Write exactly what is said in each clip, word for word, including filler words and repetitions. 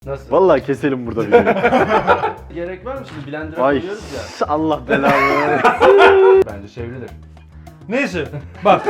Nasıl? Vallahi keselim burada videoyu. Gerek var mı şimdi? Blender'a Vay koyuyoruz ya. Allah belanı. Bence çevrilir. Neyse bak.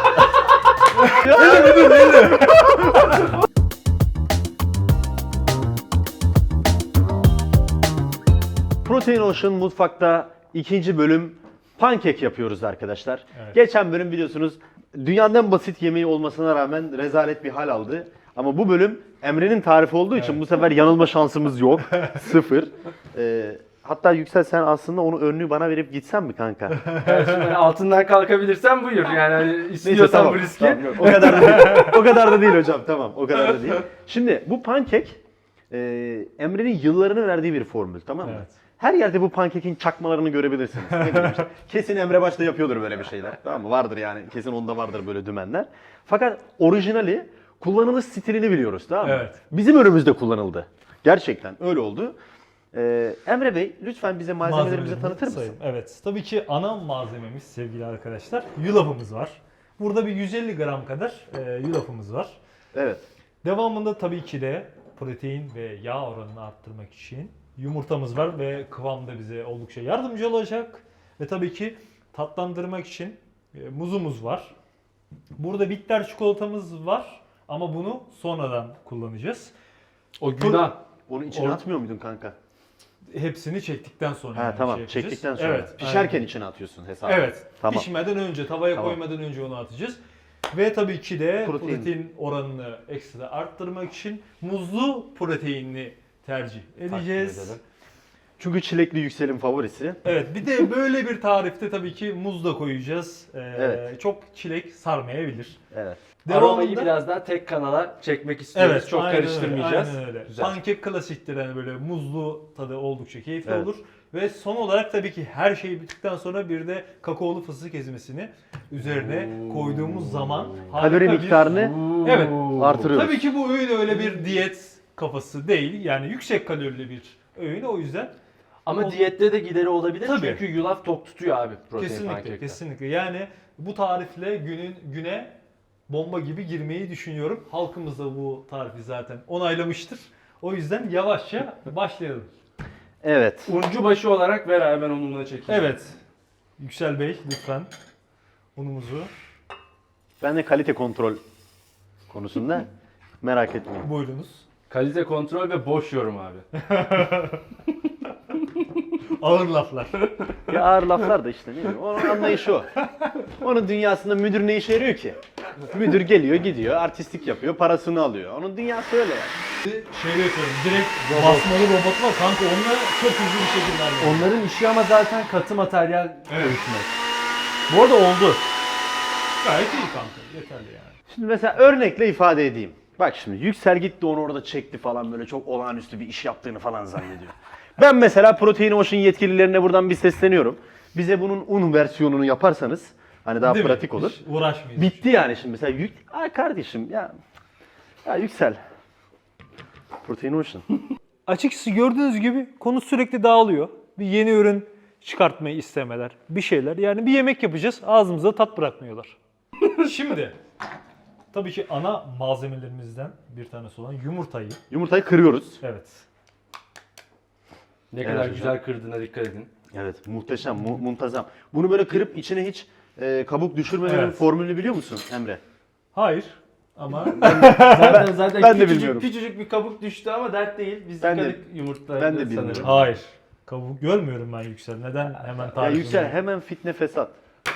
Protein Ocean mutfakta ikinci bölüm pankek yapıyoruz arkadaşlar. Evet. Geçen bölüm biliyorsunuz dünyanın en basit yemeği olmasına rağmen rezalet bir hal aldı. Ama bu bölüm Emre'nin tarifi olduğu için Evet. bu sefer yanılma şansımız yok. Sıfır. Ee, hatta Yüksel sen aslında onu önlüğü bana verip gitsen mi kanka? Yani şimdi hani altından kalkabilirsen buyur. Yani hani istiyorsan Neyse, tamam, bu riski. tamam, yok, o kadar da değil. O kadar da değil hocam. Tamam, o kadar da değil. Şimdi bu pankek e, Emre'nin yıllarını verdiği bir formül, tamam mı? Evet. Her yerde bu pankekin çakmalarını görebilirsiniz. Ne bileyim işte, kesin Emre başta yapıyordur böyle bir şeyler. Tamam mı? Vardır yani. Kesin onda vardır böyle dümenler. Fakat orijinali kullanılış stilini biliyoruz, tamam mı? Evet. Bizim önümüzde kullanıldı. Gerçekten öyle oldu. Ee, Emre Bey lütfen bize malzemelerimizi tanıtır mısın? Sayayım. Evet. Tabii ki ana malzememiz sevgili arkadaşlar yulafımız var. Burada bir yüz elli gram kadar e, yulafımız var. Evet. Devamında tabii ki de protein ve yağ oranını arttırmak için yumurtamız var ve kıvamda bize oldukça yardımcı olacak. Ve tabii ki tatlandırmak için e, muzumuz var. Burada bitter çikolatamız var ama bunu sonradan kullanacağız. O günah. Onu içine Or- atmıyor muydun kanka? Hepsini çektikten sonra Ha yani tamam, şey yapacağız. çektikten sonra. Evet, Pişerken aynen. içine atıyorsun hesabı. Evet. Tamam. Pişmeden önce, tavaya Tamam. koymadan önce onu atacağız. Ve tabii ki de Protein. protein, oranını ekstra arttırmak için muzlu proteinli tercih edeceğiz. edelim. Çünkü çilekli Yüksel'in favorisi. Evet, bir de böyle bir tarifte tabii ki muz da koyacağız. Ee, Evet. Çok çilek sarmayabilir. Evet. Aromayı biraz daha tek kanala çekmek istiyoruz. Evet, Çok aynen karıştırmayacağız. Öyle, aynen öyle. Güzel. Pankek klasiktir yani böyle muzlu tadı oldukça keyifli Evet. olur. Ve son olarak tabii ki her şey bittikten sonra bir de kakaolu fıstık ezmesini üzerine koyduğumuz zaman harika Kalori bir- miktarını Evet. artırıyoruz. Tabii ki bu öğün öyle bir diyet kafası değil. Yani yüksek kalorili bir öğün o yüzden. Ama O- diyette de gideri olabilir Tabii. çünkü yulaf tok tutuyor abi protein Kesinlikle, pankekte. kesinlikle. Yani bu tarifle günün güne bomba gibi girmeyi düşünüyorum. Halkımız da bu tarifi zaten onaylamıştır. O yüzden yavaşça başlayalım. Evet. Uncu başı olarak ver abi ben onunla çekeyim. Evet. Yüksel Bey lütfen unumuzu Ben de kalite kontrol konusunda merak etmeyin. buyurunuz. Kalite kontrol ve boş yorum abi. Ağır laflar. Ya ağır laflar da işte ne bileyim. Onun anlayışı o. Onun dünyasında müdür ne işe yarıyor ki? Müdür geliyor gidiyor artistlik yapıyor parasını alıyor. Onun dünyası öyle yani. Şey yapıyorum direkt basmalı robot var kanka onunla çok hızlı bir şekilde hallediyorum. Onların işi ama zaten katı materyal Evet. ölçmek. Bu arada oldu. Gayet iyi kanka yeterli yani. Şimdi mesela örnekle ifade edeyim. Bak şimdi Yüksel gitti onu orada çekti falan böyle çok olağanüstü bir iş yaptığını falan zannediyor. Ben mesela Protein Ocean yetkililerine buradan bir sesleniyorum. Bize bunun un versiyonunu yaparsanız hani daha Değil mi? pratik olur. Hiç uğraşmayız. Bitti yani şimdi mesela yük... Ay kardeşim ya. Ya Yüksel. Protein Ocean. Açıkçası gördüğünüz gibi konu sürekli dağılıyor. Bir yeni ürün çıkartmayı istemeler, bir şeyler. Yani bir yemek yapacağız, ağzımıza tat bırakmıyorlar. Şimdi tabii ki ana malzemelerimizden bir tanesi olan yumurtayı. Yumurtayı kırıyoruz. Evet. Ne Evet kadar hocam. güzel kırdığına dikkat edin. Evet muhteşem, mu- muntazam. Bunu böyle kırıp içine hiç e, kabuk düşürmemenin Evet. formülünü biliyor musun Emre? Hayır ama Zaten zaten ben de küçücük, bilmiyorum. küçücük bir kabuk düştü ama dert değil. Biz Ben de- yıkadık yumurtayı ben de sanırım. bilmiyorum. hayır. Kabuk görmüyorum ben Yüksel. Neden hemen Ya tarif Yüksel hemen fitne fesat.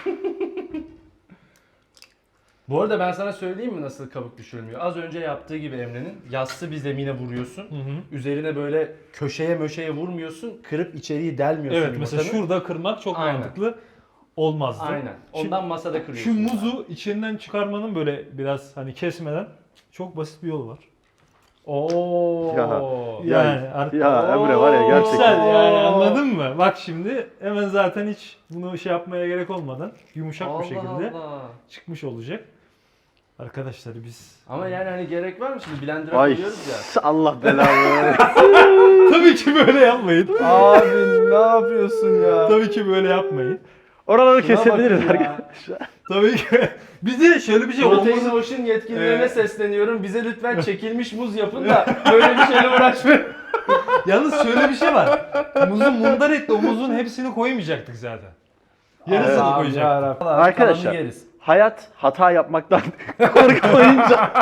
Bu arada ben sana söyleyeyim mi nasıl kabuk düşürülmüyor? Az önce yaptığı gibi Emre'nin yassı bir zemine vuruyorsun. Hı hı. Üzerine böyle köşeye möşeye vurmuyorsun. Kırıp içeriği delmiyorsun Evet mesela yumurtanın. şurada kırmak çok Aynen. mantıklı olmazdı. Aynen. Şimdi- Ondan masada Şu kırıyorsun. muzu içinden çıkarmanın böyle biraz hani kesmeden çok basit bir yolu var. Oo. Ya, Yani Ya, artık- ya Emre var ya gerçekten. Güzel yani anladın mı? Bak şimdi hemen zaten hiç bunu şey yapmaya gerek olmadan yumuşak Allah bir şekilde Allah. çıkmış olacak. Arkadaşlar biz... Ama yani hani gerek var mı şimdi blender'a Ay koyuyoruz ya. Allah belanı. Tabii ki böyle yapmayın. Abi ne yapıyorsun ya? Tabii ki böyle yapmayın. Oraları Şuna kesebiliriz bakın ya. arkadaşlar. Tabii ki. Bize şöyle bir şey Protein olması... Ocean yetkililerine Ee, sesleniyorum. Bize lütfen çekilmiş muz yapın da böyle bir şeyle uğraşmayın. Yalnız şöyle bir şey var. Muzu mundar etti. O muzun hepsini koymayacaktık zaten. Yarısını Allah'ım koyacaktık. yarabbim. Arkadaşlar Kalanını yeriz. hayat hata yapmaktan korkmayınca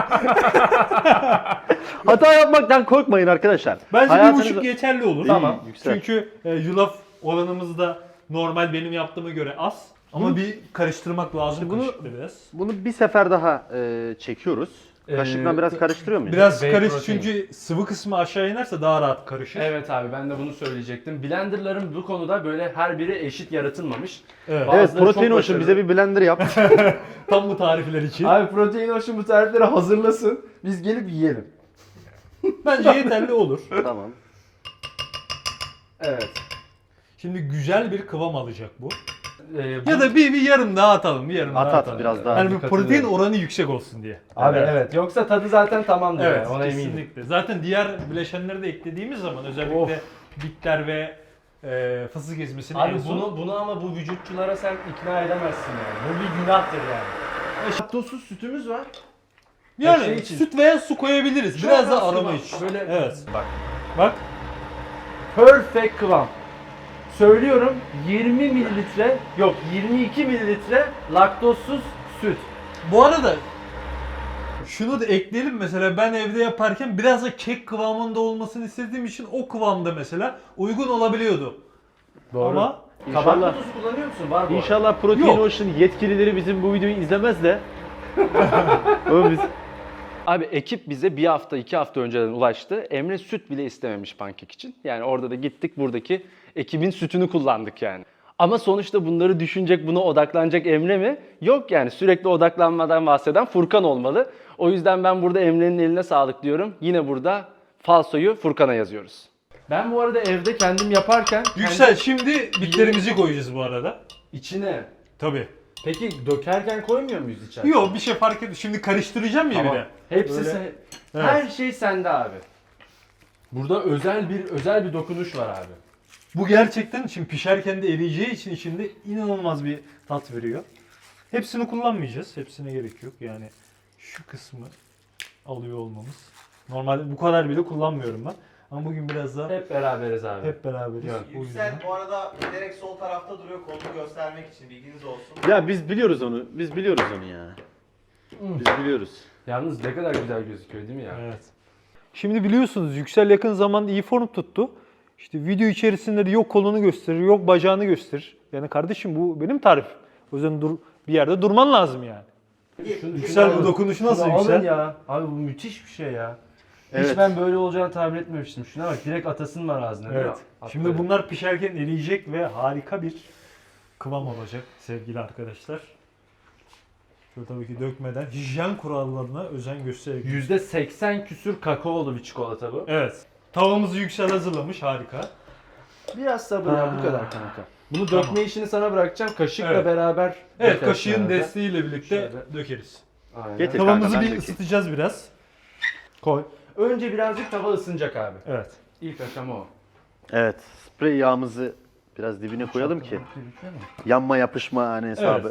hata yapmaktan korkmayın arkadaşlar. Bence Hayatınızda- bir buçuk yeterli olur. Tamam, yüksel. Çünkü e, yulaf oranımız da normal benim yaptığıma göre az. Ama Bunu- bir karıştırmak lazım Şimdi bunu- kaşıkla biraz. Bunu bir sefer daha e, çekiyoruz. Kaşıkla Ee, biraz karıştırıyor muyuz? Biraz Whey karış protein. çünkü sıvı kısmı aşağı inerse daha rahat karışır. Evet abi ben de bunu söyleyecektim. Blenderların bu konuda böyle her biri eşit yaratılmamış. Evet. Bazı- Evet, Bazıları Protein çok Ocean bize bir blender yap. Tam bu tarifler için. Abi Protein Ocean bu tarifleri hazırlasın. Biz gelip yiyelim. Bence yeterli olur. Tamam. Evet. Şimdi güzel bir kıvam alacak bu. Ee, bu- Ya da bir, bir yarım daha atalım. Bir yarım At daha at atalım. biraz daha. Yani bir Katılıyorum. protein oranı yüksek olsun diye. Abi Evet. evet. Yoksa tadı zaten tamamdır Evet, yani, ona eminim. kesinlikle. Zaten diğer bileşenleri de eklediğimiz zaman özellikle Of. bitter ve e, fıstık ezmesini en Abi son- bunu bunu ama bu vücutçulara sen ikna edemezsin yani. Bu bir günahtır yani. Laktozsuz sütümüz var. yani şey için. süt veya su koyabiliriz. Çok Biraz da az aroma kıvam. iç. Böyle Evet. bak. Bak. Perfect kıvam. Söylüyorum yirmi mililitre yok yirmi iki mililitre laktozsuz süt. Bu arada şunu da ekleyelim, mesela ben evde yaparken biraz da kek kıvamında olmasını istediğim için o kıvamda mesela uygun olabiliyordu. Ama Kabartma İnşallah, tozu kullanıyor musun? Var bu arada. inşallah Protein Yok. Ocean yetkilileri bizim bu videoyu izlemez de. Oğlum biz... Abi ekip bize bir hafta iki hafta önceden ulaştı. Emre süt bile istememiş pankek için. Yani orada da gittik buradaki ekibin sütünü kullandık yani. Ama sonuçta bunları düşünecek, buna odaklanacak Emre mi? Yok yani, sürekli odaklanmadan bahseden Furkan olmalı. O yüzden ben burada Emre'nin eline sağlık diyorum. Yine burada falsoyu Furkan'a yazıyoruz. Ben bu arada evde kendim yaparken Yüksel, şimdi bitlerimizi koyacağız bu arada. kendi içine. Tabii. Peki dökerken koymuyor muyuz içine? Yok, bir şey fark etmiyor. Şimdi karıştıracağım ya Tamam. bir de. Hepsi Öyle. sen- Evet. her şey sende abi. Burada özel bir özel bir dokunuş var abi. Bu gerçekten şimdi pişerken de eriyeceği için içinde inanılmaz bir tat veriyor. Hepsini kullanmayacağız. Hepsine gerek yok. Yani şu kısmı alıyor olmamız. Normalde bu kadar bile kullanmıyorum ben. Ama bugün biraz daha hep, Hep beraberiz abi. beraberiz. Yok. O Yüksel yüzden. bu arada bilerek sol tarafta duruyor kolunu göstermek için, bilginiz olsun. Ya biz biliyoruz onu. Biz biliyoruz onu ya. Biz biliyoruz. Yalnız ne kadar güzel gözüküyor değil mi ya? Evet. Şimdi biliyorsunuz Yüksel yakın zamanda iyi form tuttu. İşte video içerisinde de yok kolunu gösterir, yok bacağını gösterir. Yani kardeşim bu benim tarif. O yüzden dur, bir yerde durman lazım yani. Şunu- Yüksel, şunu bu alın. dokunuşu nasıl Şunu Yüksel? alın ya. Abi bu müthiş bir şey ya. Evet. Hiç ben böyle olacağını tahmin etmemiştim. Şuna bak, direkt atasın var ağzına. değil mi? Evet. At Şimdi böyle. bunlar pişerken eriyecek ve harika bir kıvam olacak sevgili arkadaşlar. Şöyle tabii ki dökmeden hijyen kurallarına özen göstererek. yüzde seksen küsür kakaolu bir çikolata bu. Evet. Tavamızı Yüksel hazırlamış, harika. Biraz sabır ya, bu Ha. kadar kanka. Bunu Tamam. dökme işini sana bırakacağım. Kaşıkla Evet. beraber Evet, dökersin kaşığın arada. desteğiyle birlikte Şöyle. dökeriz. Aynen. Getir. Tavamızı kanka, ben bir dökeyim. ısıtacağız biraz. Koy. Önce birazcık tava ısınacak abi. Evet. İlk aşama o. Evet. Sprey yağımızı biraz dibine koyalım ki yanma yapışma hani hesabı. Evet.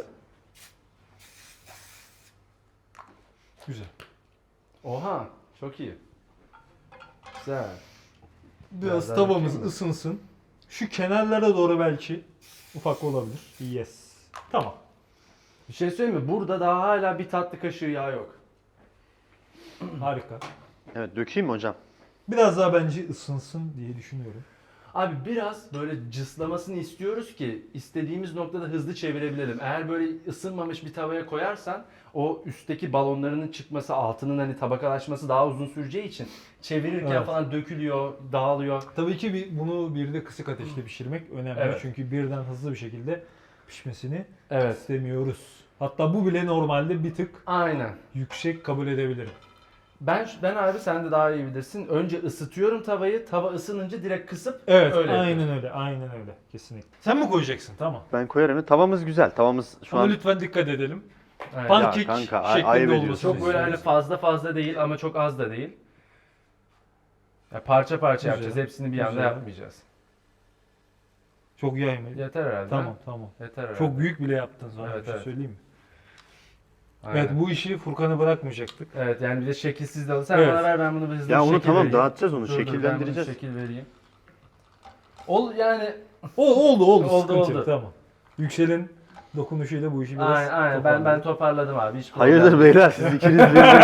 Güzel. Oha, çok iyi. Güzel. Biraz Biraz daha tavamız dökeyim mi? ısınsın. Şu kenarlara doğru belki ufak olabilir. Yes. Tamam. Bir şey söyleyeyim mi? Burada daha hala bir tatlı kaşığı yağ yok. Harika. Evet, dökeyim mi hocam? Biraz daha bence ısınsın diye düşünüyorum. Abi biraz böyle cıslamasını istiyoruz ki istediğimiz noktada hızlı çevirebilelim. Eğer böyle ısınmamış bir tavaya koyarsan o üstteki balonlarının çıkması, altının hani tabakalaşması daha uzun süreceği için çevirirken Evet. falan dökülüyor, dağılıyor. Tabii ki bir, bunu bir de kısık ateşte pişirmek önemli. Evet. Çünkü birden hızlı bir şekilde pişmesini Evet. istemiyoruz. Hatta bu bile normalde bir tık Aynen. yüksek kabul edebilirim. Ben ben abi sen de daha iyi bilirsin. Önce ısıtıyorum tavayı. Tava ısınınca direkt kısıp Evet, öyle aynen yapıyorum. öyle, aynen öyle. Kesinlikle. Sen mi koyacaksın? Tamam. Ben koyarım. Tavamız güzel. Tavamız şu Ama an lütfen dikkat edelim. Evet. Pankek kanka, ay- şeklinde ayıp olmasını ediyorsun. Çok böyle hani istiyoruz. fazla fazla değil ama çok az da değil. Ya parça parça Güzel. yapacağız. Hepsini bir anda Güzel. yapmayacağız. Çok yayma. Yeter herhalde. Tamam ha? tamam. Yeter herhalde. Çok büyük bile yaptın sana Evet, bir şey evet. söyleyeyim mi? Aynen. Evet bu işi Furkan'a bırakmayacaktık. Evet yani bir de şekilsiz de alın. Sen Evet. bana ver ben bunu bir hızlı Ya bir onu şekil tamam vereyim. dağıtacağız onu Dur, dur, ben bunu şekillendireceğiz. şekil vereyim. Ol yani O oldu oldu. Oldu, sıkıntı yok, oldu. tamam. Yüksel'in dokunuşuyla bu işi biraz aynen, aynen. ben ben toparladım abi. Hiç problem Hayırdır yok. beyler siz ikiniz birbirinize.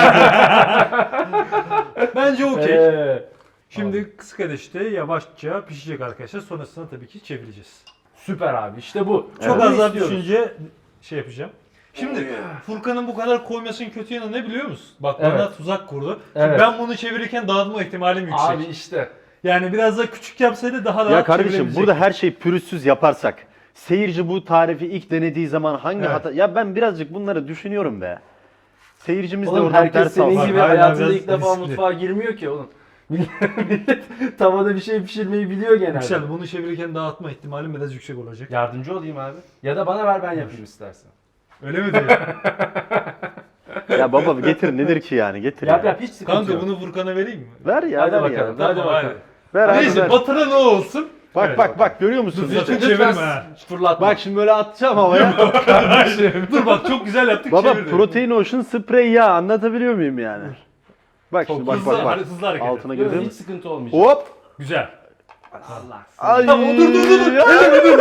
Bence okey. Ee, Şimdi kısık ateşte yavaşça pişecek arkadaşlar. Sonrasında tabii ki çevireceğiz. süper abi işte bu. Çok Bunu az daha istiyoruz. düşünce şey yapacağım. Şimdi Furkan'ın bu kadar koymasının kötü yanı ne biliyor musun? Bak bana Evet. tuzak kurdu. Şimdi Evet. ben bunu çevirirken dağıtma ihtimalim yüksek. Abi işte. Yani biraz da küçük yapsaydı daha rahat Ya kardeşim çevirebilecek. burada her şey pürüzsüz yaparsak seyirci bu tarifi ilk denediği zaman hangi Evet. hata... Ya ben birazcık bunları düşünüyorum be. Seyircimiz de Oğlum oradan herkes ders senin alsın. gibi Hayır, hayatında biraz ilk defa riskli. mutfağa girmiyor ki oğlum. Millet tavada bir şey pişirmeyi biliyor genelde. Yüksel bunu çevirirken dağıtma ihtimalim biraz yüksek olacak. Yardımcı olayım abi. Ya da bana ver ben yapayım istersen. Öyle mi diyor? Ya baba getir nedir ki yani getir Yap ya. yap hiç sıkıntı Kanka yok. bunu Furkan'a vereyim mi? Ver ya Hadi ver bakalım. ya. Hadi Tamam, bakalım. hadi. Ver abi Neyse ver. batıran o olsun. Bak Evet. bak bak görüyor musun? Dur, sakın Lütfen çevirme ha. fırlatma. Bak şimdi böyle atacağım havaya. Dur bak çok güzel yaptık Baba çevirdim. protein ocean sprey ya anlatabiliyor muyum yani? Bak Çok şimdi bak hızlı, bak bak. hızlı hareket. Altına Yok, girdim. hiç sıkıntı olmayacak. Hop. Güzel. Allah. Ay. Tamam, dur, dur, dur, dur. Ya.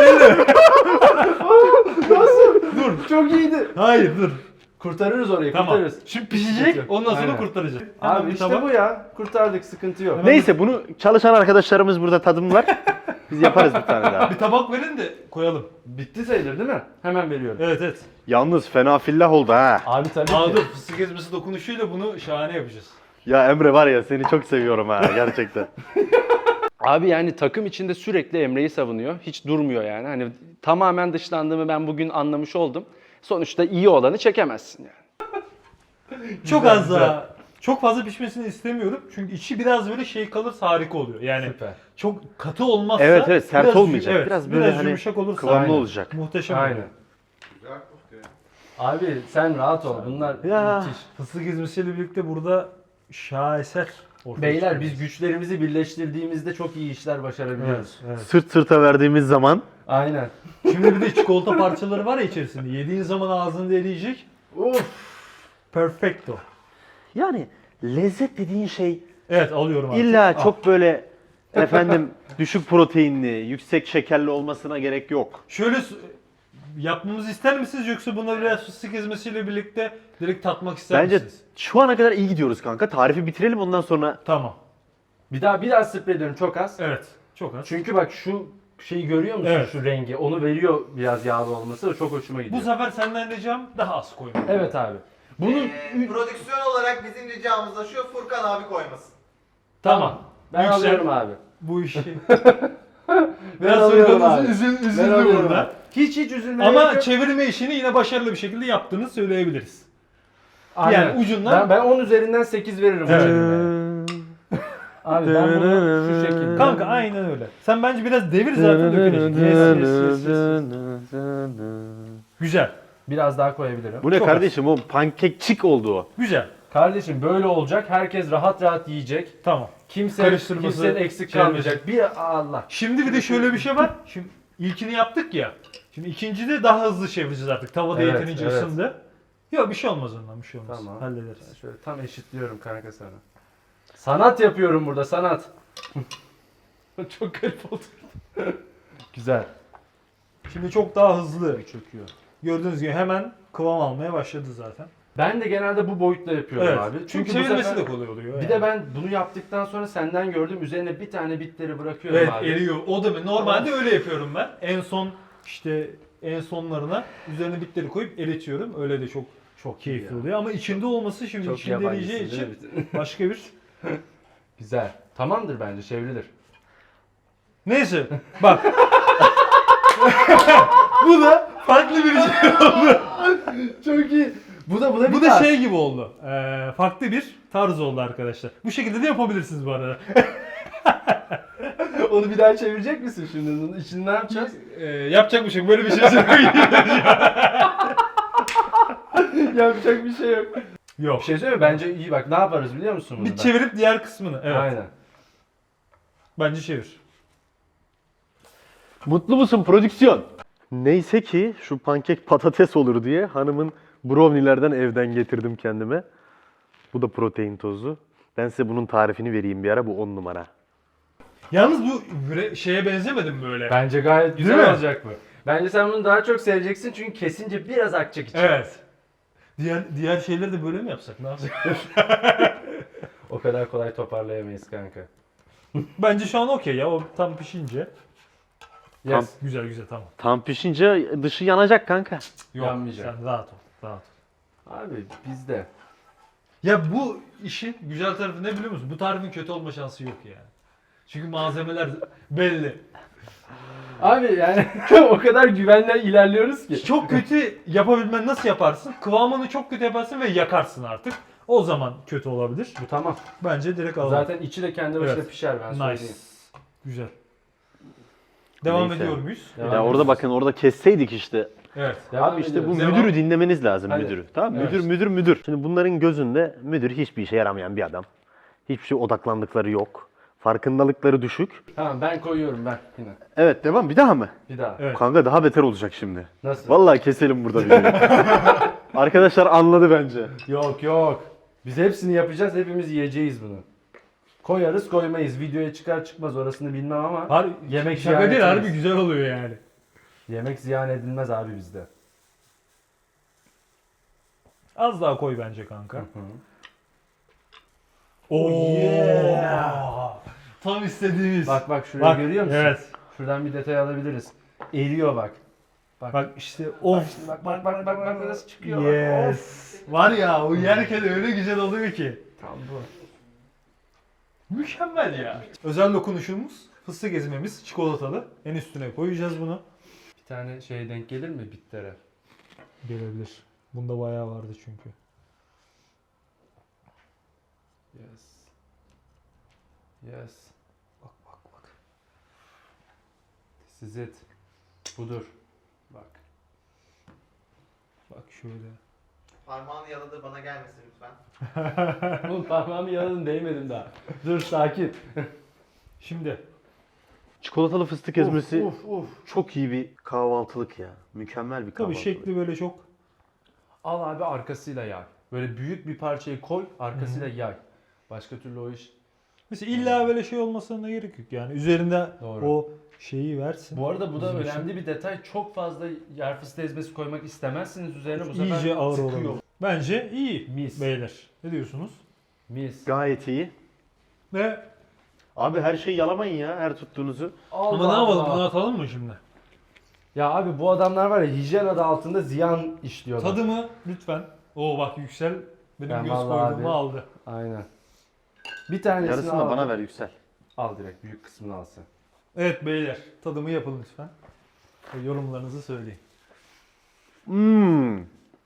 Dur çok iyiydi. Hayır dur. Kurtarırız orayı Tamam. kurtarırız. Şimdi pişecek ondan sonra Aynen. kurtaracağız. Hemen Abi bir işte tabak. bu ya. Kurtardık sıkıntı yok. Neyse bunu çalışan arkadaşlarımız burada tadımlar. Biz yaparız bir tane daha. Bir tabak verin de koyalım. Bitti sayılır değil mi? Hemen veriyorum. Evet evet. Yalnız fena fillah oldu ha. Abi tabii Aa ki. dur fıstık ezmesi dokunuşuyla bunu şahane yapacağız. Ya Emre var ya seni çok seviyorum ha gerçekten. Abi yani takım içinde sürekli Emre'yi savunuyor. Hiç durmuyor yani. Hani tamamen dışlandığımı ben bugün anlamış oldum. Sonuçta iyi olanı çekemezsin yani. Çok Güzel, az daha. Çok fazla pişmesini istemiyorum. Çünkü içi biraz böyle şey kalırsa harika oluyor. Yani Süper. çok katı olmazsa Evet, evet, sert biraz, olmayacak. Evet, Biraz biraz, böyle hani yumuşak olursa Kıvamlı aynen. olacak. Muhteşem Aynen. oluyor. Abi sen rahat ol. Bunlar Ya. müthiş. Fıstık ezmesiyle birlikte burada şaheser ortaya Beyler çıkıyor. biz güçlerimizi birleştirdiğimizde çok iyi işler Evet, başarabiliyoruz. evet. Sırt sırta verdiğimiz zaman Aynen. Şimdi bir de çikolata parçaları var ya içerisinde. Yediğin zaman ağzında eriyecek. Uf. Perfecto. yani lezzet dediğin şey Evet alıyorum artık. illa Al. çok böyle efendim düşük proteinli, yüksek şekerli olmasına gerek yok. Şöyle s- yapmamızı ister misiniz yoksa bunları biraz fıstık ezmesiyle birlikte direkt tatmak ister Bence misiniz? şu ana kadar iyi gidiyoruz kanka. Tarifi bitirelim ondan sonra. Tamam. Bir daha bir daha sprey ediyorum çok az. Evet. Çok az. Çünkü bak şu şeyi görüyor musun Evet. şu rengi? Onu veriyor biraz yağlı olması. O çok hoşuma gidiyor. Bu sefer senden ricam daha az koyma. Evet abi. Bunun Ee, prodüksiyon olarak bizim ricamız da şu, Furkan abi koymasın. tamam. Ben Yüksel. alıyorum abi. Bu işi. Ben Biraz alıyorum Furkan'ın abi. üzül, Ben üzüldü alıyorum burada. abi. Hiç hiç üzülmeye Ama gerek yok. çevirme işini yine başarılı bir şekilde yaptığını söyleyebiliriz. Aynen. yani ucundan- Ben, ben on üzerinden sekiz veririm bu Evet. çevirmeye. Abi ben bunu şu şekilde. Kanka aynen öyle. Sen bence biraz devir zaten dökülecek. Yes, yes, yes, yes, yes. Güzel. Biraz daha koyabilirim. Bu ne Çok kardeşim o pankekçik oldu o. Güzel. Kardeşim böyle olacak. Herkes rahat rahat yiyecek. Tamım. Kimse Karıştırması, kimsenin eksik çevirmesi. kalmayacak. Bir Allah. Şimdi bir de şöyle bir şey var. Şimdi ilkini yaptık ya. Şimdi ikincide daha hızlı çevireceğiz artık. Tavada Evet, yeterince evet. ısındı. Yok bir şey olmaz ondan bir şey olmaz. Tamam. Hallederiz. Şöyle tam eşitliyorum kanka sana. Sanat yapıyorum burada sanat. Çok garip oldu. Güzel. Şimdi çok daha hızlı. Çöküyor. Gördüğünüz gibi hemen kıvam almaya başladı zaten. Ben de genelde bu boyutla yapıyorum Evet. abi. Çünkü Çünkü bu çevirmesi sefer... de kolay oluyor. Bir yani. de ben bunu yaptıktan sonra senden gördüm. Üzerine bir tane bitleri bırakıyorum Evet abi. eriyor. O da mı? Normalde öyle yapıyorum ben. En son işte en sonlarına üzerine bitleri koyup eritiyorum. Öyle de çok Çok iyi keyifli ya. oluyor ama içinde olması şimdi Çok içinde yabancısın eriyeceği değil için mi? başka bir. Güzel. Tamamdır bence çevrilir. Neyse bak. Bu da farklı bir şey oldu. Çok iyi. Bu da bu da bir Bu da tarz. şey gibi oldu. Ee, farklı bir tarz oldu arkadaşlar. Bu şekilde de yapabilirsiniz bu arada. Onu bir daha çevirecek misin şimdi? Bunun içini ne yapacağız? Ee, yapacak bir şey yok. Böyle bir şey söyleyeyim. Yapacak bir şey yok. Yok. Bir şey söyleyeyim mi? Bence iyi bak ne yaparız biliyor musun bunu Bir da? çevirip diğer kısmını. Evet. Aynen. Bence çevir. Mutlu musun prodüksiyon? Neyse ki şu pankek patates olur diye hanımın brownie'lerden evden getirdim kendime. Bu da protein tozu. Ben size bunun tarifini vereyim bir ara, bu on numara. Yalnız bu bre- şeye benzemedi mi böyle? Bence gayet Değil mi? güzel olacak bu. Bence sen bunu daha çok seveceksin çünkü kesince biraz akacak içine. Evet. Diğer diğer şeyleri de böyle mi yapsak? Ne yapsak? O kadar kolay toparlayamayız kanka. Bence şu an okey ya. O tam pişince. Yes. Güzel güzel tamam. Tam pişince dışı yanacak kanka. Yok Yanmayacak. sen rahat ol. Rahat ol. Abi bizde. Ya bu işin güzel tarafı ne biliyor musun? Bu tarifin kötü olma şansı yok yani. Çünkü malzemeler belli. Abi yani o kadar güvenle ilerliyoruz ki. Çok kötü yapabilmen nasıl yaparsın? Kıvamını çok kötü yaparsın ve yakarsın artık. O zaman kötü olabilir. Bu tamam. Bence direkt alalım. Zaten içi de kendi başına Evet. pişer ben Nice. söyleyeyim. Güzel. Devam Neyse. ediyor muyuz? Devam Ya orada ediyoruz. bakın, orada kesseydik işte. Evet. Devam Abi işte bu ediyoruz. Devam. müdürü dinlemeniz lazım, Hadi. müdürü. Tamam mı? Evet. Müdür müdür müdür. Şimdi bunların gözünde müdür hiçbir işe yaramayan bir adam. Hiçbir şey odaklandıkları yok. Farkındalıkları düşük. Tamam ben koyuyorum ben yine. Evet, devam, bir daha mı? Bir daha. Evet. Kanka daha beter olacak şimdi. Nasıl? Vallahi keselim burada videoyu. Arkadaşlar anladı bence. Yok yok. Biz hepsini yapacağız. Hepimiz yiyeceğiz bunu. Koyarız koymayız. Videoya çıkar çıkmaz orasını bilmem ama Har yemek şaka ziyan değil, harbi etmeyiz. güzel oluyor yani. Yemek ziyan edilmez abi bizde. Az daha koy bence kanka. Hı. Oo. yeah. Tam istediğimiz. Bak bak şurayı Bak, görüyor musun? evet. Şuradan bir detay alabiliriz. Eriyor bak. Bak işte Bak of. şimdi bak bak bak bak, bak nasıl çıkıyor. Bak. Of. Yes. Var ya o yerken öyle güzel oluyor ki. Tam bu. Mükemmel ya. Özel dokunuşumuz fıstık ezmemiz çikolatalı. En üstüne koyacağız bunu. Bir tane şey denk gelir mi bittere? Gelebilir. Bunda bayağı vardı çünkü. Yes. Yes. Bak bak bak. This is it. Budur. Bak. Bak şöyle. Parmağını yaladı, bana gelmesin lütfen. Oğlum parmağımı yaladım değmedim daha. Dur sakin. Şimdi Çikolatalı fıstık ezmesi Uf, uf, uf. çok iyi bir kahvaltılık ya. Mükemmel bir tabii kahvaltılık. şekli böyle çok. Al abi arkasıyla yay. Böyle büyük bir parçayı koy arkasıyla yay. Başka türlü o iş. Mesela illa böyle şey olmasına gerek yok yani. Üzerinde Doğru. o şeyi versin. Bu arada bu da Bizim için önemli bir detay. Çok fazla yer fıstığı ezmesi koymak istemezsiniz üzerine bu sefer iyice ağır sıkıyor. olabilir. Bence iyi Mis. beyler. Ne diyorsunuz? Mis. Gayet iyi. Ve Abi her şeyi yalamayın ya, her tuttuğunuzu. ama ne yapalım, bunu atalım mı şimdi? Ya abi bu adamlar var ya hijyen adı altında ziyan işliyorlar. Tadımı lütfen. Oo bak Yüksel benim Ben göz vallahi koyduğumu abi- aldı. Aynen. Bir tanesini Yarısını al. da bana ver Yüksel. Al direkt büyük kısmını al sen. Evet beyler, tadımı yapın lütfen. Ve yorumlarınızı söyleyin. Hmm.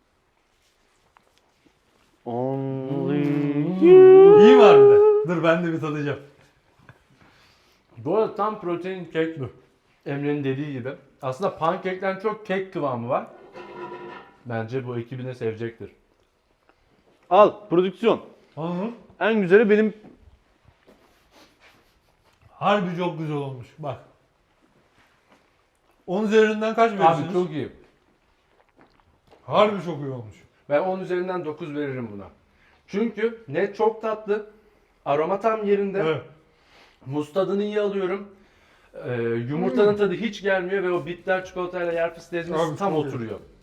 Only İyi mi harbiden? Dur ben de bir tadacağım. Bu arada tam protein kek. Emre'nin dediği gibi. Aslında pankekten çok kek kıvamı var. Bence bu ekibine sevecektir. Al prodüksiyon. Anladın? En güzeli benim. Harbi çok güzel olmuş. Bak. on üzerinden kaç verirsiniz? Abi çok iyi. Harbi çok iyi olmuş. Ben on üzerinden dokuz veririm buna. Çünkü ne çok tatlı, aroma tam yerinde, Evet. muz tadını iyi alıyorum. Ee, yumurtanın tadı hiç gelmiyor ve o bitter çikolatayla yer fıstığı ezmesi Abi tam çok iyi. oturuyor.